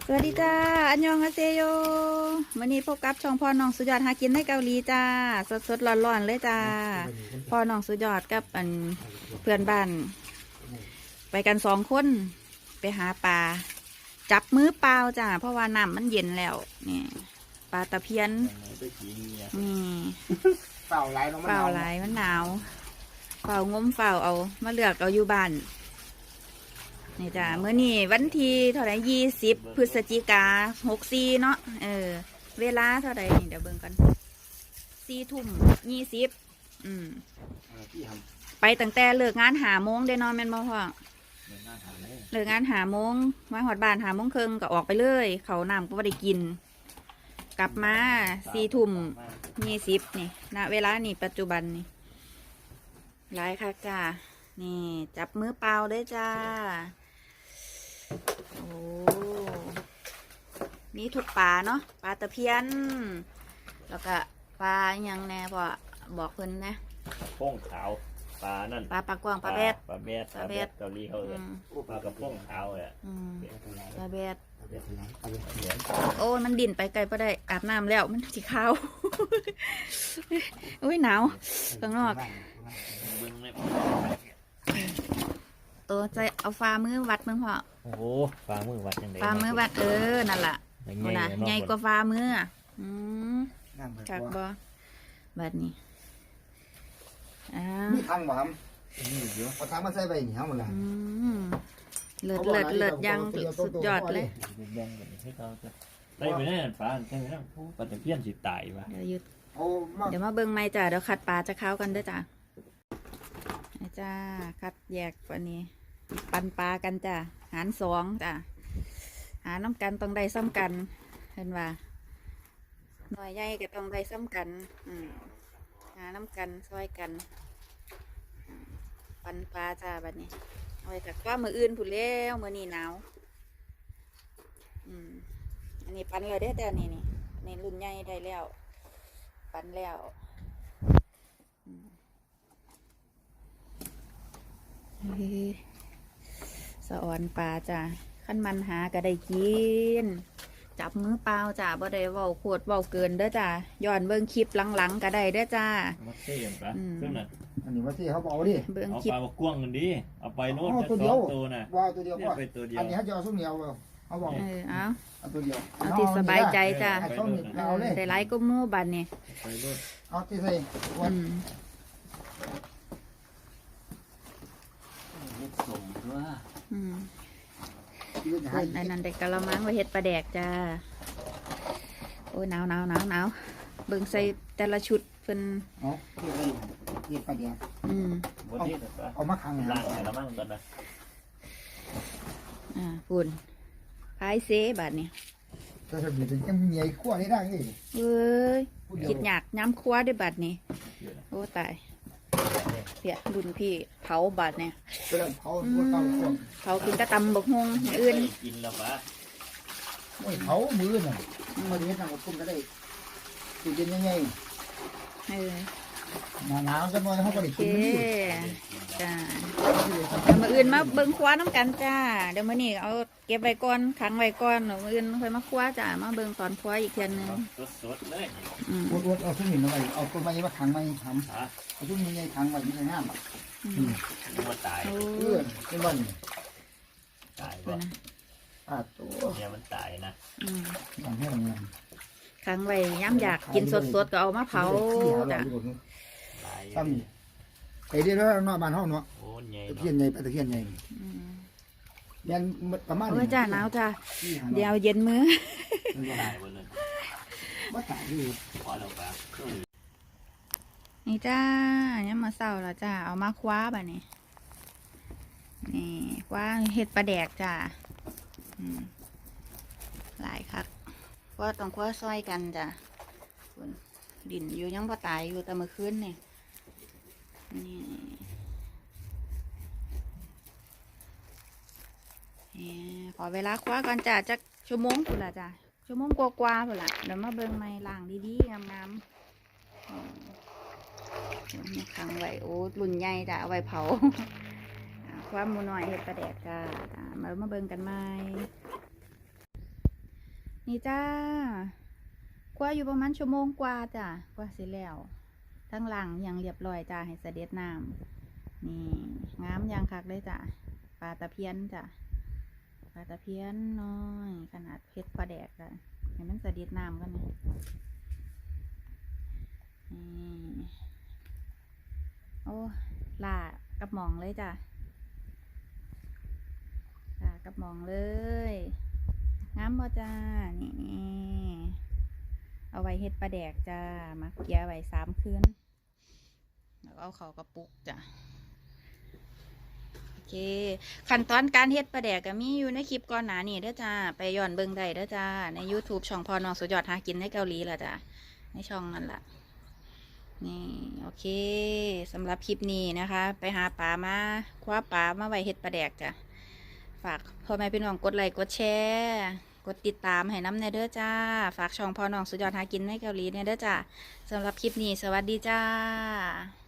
สวัสดีจ้าอันยองอาเซโยวันนี้พบกับช่องพ่อน้องสุดยอดหากินในเกาหลีจ้าสดร้อนๆเลยจ้าพ่อน้องสุดยอดกับเพื่อนบ้านไปกัน2 คนไปหาปลาจับมือเปล่าจ้าเพราะว่าน้ำมันเย็นแล้วนี่ปลาตะเพียนนี่เปล่าไหลลงมาเปล่าไหลมันหนาวเปล่างมเปล่าเอามาเลือกเอาอยู่บ้านนี่จ้าเมื่อนี้วันที่เท่าไหร่20 พฤศจิกา64เนาะเวลาเท่าไหร่นี่เดี๋ยวเบิ่งกัน4:20ไปตั้งแต่เลิกงาน5 โมงได้นอนแม่นบ่พ่อเลิกงาน5 โมงมาหอดบ้าน5 โมงครึ่งก็ออกไปเลยเขาน้ำก็ไม่ได้กินกลับมา4:20นี่ณเวลานี่ปัจจุบันนี่หลายค่ะจ้านี่จับมือเปล่าได้จ้าโอ้มีทุกปลาเนาะปลาตะเพียนแล้วก็ปลาอย่างแน่พอบอกเพิ่นนะโป้งขาวปลานั่นปลากวางปลาแบดปลาแบดเกาหลีเขาเลยปลากระโป้งขาวอ่ะปลาแบดโอ้มันดิ่นไปไกลพอได้อาบน้ำแล้วมันสีขาวอุ้ยหนาวข้างนอกตัวใจเอาฟ้ามือวัดมึงพอโอ้โหฟ้ามือวัดยังไงฟ้ามือวัดนั่นแหละนะใหญ่กว่าฟ้ามือจากบ่บัดนี้มีทางบ่ครับเอาทางมาใส่ไปนี่ครับหมดละเลิศยังสุดยอดเลยไปไปแน่ฟ้าใช่ไหมนะปลาตะเพียนสิตายว่ะเดี๋ยวมาเบิ่งไม้จ้ะเดี๋ยวขัดปลาจะเข้ากันด้วยจ้ะจ้าคัดแยกวันนี้ปันปลากันจ้ะหาร2จ้ะหาน้ำกันต้องได้ซ้ำกันเห็นว่าหน่วยใหญ่ก็ต้องได้ซ้ำกันหาน้ำกันซอยกันปันปลาจ้าบัดนี้เอาไปถักว่ามืออื่นผุดเลี้ยวมือนี่หนาวอันนี้ปันเลยได้แต่นี่รุ่นใหญ่ได้แล้วปันแล้วสะออนปลาจ้ะขั้นมันหาก็ได้กินจับมือเปล่าจ้ะบ่ได้เว้าโคตรเว้าเกินเด้อจ้ะย้อนเบิ่งคลิปหลังๆก็ได้เด้อจ้ามาเสียบปะเครื่องนั้นอันนี้มาเสียเขาบอกดิเบิ่งคลิปเอาปลากว้างกันดิเอาไปโน่นตัวเดียวน่ะว่าตัวเดียวไปตัวเดียวอันนี้เขาจะเอาส้มเหนียวเขาบอกเอาตัวเดียวเอาที่สบายใจจ้ะเอาเลยแต่ไรก็มู่บันนี่เอาที่ใส่ส่งว่าอันนั้นเด็กกะละมังไว้เฮ็ดปลาแดกจ้าโอ้ยหนาวเบิ่งใส่แต่ละชุดเพิ่นที่ปลาแดกเอามาขังล่างแต่ละมั่งกันนะฝุ่นพายเซบัดนี่จะทำยังไงจะมีไอ้ขั้วนี่ได้ไงเอ้ยคิดอยากย้ำคว้าด้วยบัดนี่โอ้ตายเปียบุญพี่เผาบัดเนี่ยเผากินกระตำบกฮงอื่นกินแล้วปะเผามือน่ะมาดีนะผมก็ได้กินยังไงหนาวจะมาเขาก็ได้กินจ้าเดี๋ยวมาอื่นมาเบิ่งคว้าน้ำกันจ้าเดี๋ยวมานี่เอาเก็บไว้ก่อนขังไว้ก่อนมาอื่นค่อยมาคว้าจ้ามาเบิ่งตอนคว้าอีกเทียนนึงสดเลยเอาทุ่งหินมาเอาต้นไม้มาขังไว้ทำเอาทุ่งหินขังไว้ไม่ใช่น้ำมันตายเป็นวันตายนะตัวเนี่ยมันตายนะอย่างให้เงินขังไว้ย้ำอยากกินสดๆก็เอามาเผาจ้ะซ้ำไอ้เดี๋ยวเรานอนบ้านห้องเนาะตะเคียนใหญ่ตะเคียนใหญ่ยันประมาณนี้จ้าหนาวจ้าเดี๋ยวเย็นมือนี่จ้าเนี่ยมาเศร้าแล้วจ้าเอามาคว้าบ่นี่นี่คว้าเห็ดปลาแดกจ้าหลายครับก็ต้องคว้าซอยกันจ้ะดินอยู่ยังพอตายอยู่แต่เมื่อคืนนี่ขอเวลาคว้าก่อนจ้ะจักชั่วโมงพุ่นละจ้ะชั่วโมงกว่าพุ่นละเดี๋ยวมาเบิ่งไม้ล่างดีๆงามๆขังไว้โอ้รุ่นใหญ่จ้ะเอาไว้เผาความมูน้อยเห็ดปลาแดกจ้ะมาเบิ่งกันไหมนี่จ้าคั่วอยู่ประมาณชั่วโมงกว่าจ้ะกว่าสิแล้วทั้งหลังยังเรียบร้อยจ้าให้เสด็จน้ำนี่งามยังคักเลยจ้ะปลาตะเพียนจ้ะปลาตะเพียนน้อยขนาดเพชรปลาแดกจ้ะให้มันเสด็จน้ำกันนะนี่โอ้ล่ากับหมองเลยจ้ะล่ากับหมองเลยงามบ่จ้านี่เอาไว้เฮ็ดปลาแดกจ้ามาเกียไว้3 คืนแล้วเอาเขากระปุกจ้ะโอเคขั้นตอนการเฮ็ดปลาแดกก็มีอยู่ในคลิปก่อนหน้านี้เด้อจ้าไปย้อนเบิ่งได้เด้อจ้าใน YouTube ช่องพอน้องสุดยอดหากินในเกาหลีล่ะจ้าในช่องนั่นล่ะนี่โอเคสำหรับคลิปนี้นะคะไปหาปลามาคว้าปลามาไว้เฮ็ดปลาแดกจ้ะฝากพ่อแม่พี่น้องกดไลค์กดแชร์กดติดตามให้น้ำในเด้อจ้าฝากช่องพอน้องสุดยอดหากินในเกาหลีในเด้อจ้าสำหรับคลิปนี้สวัสดีจ้า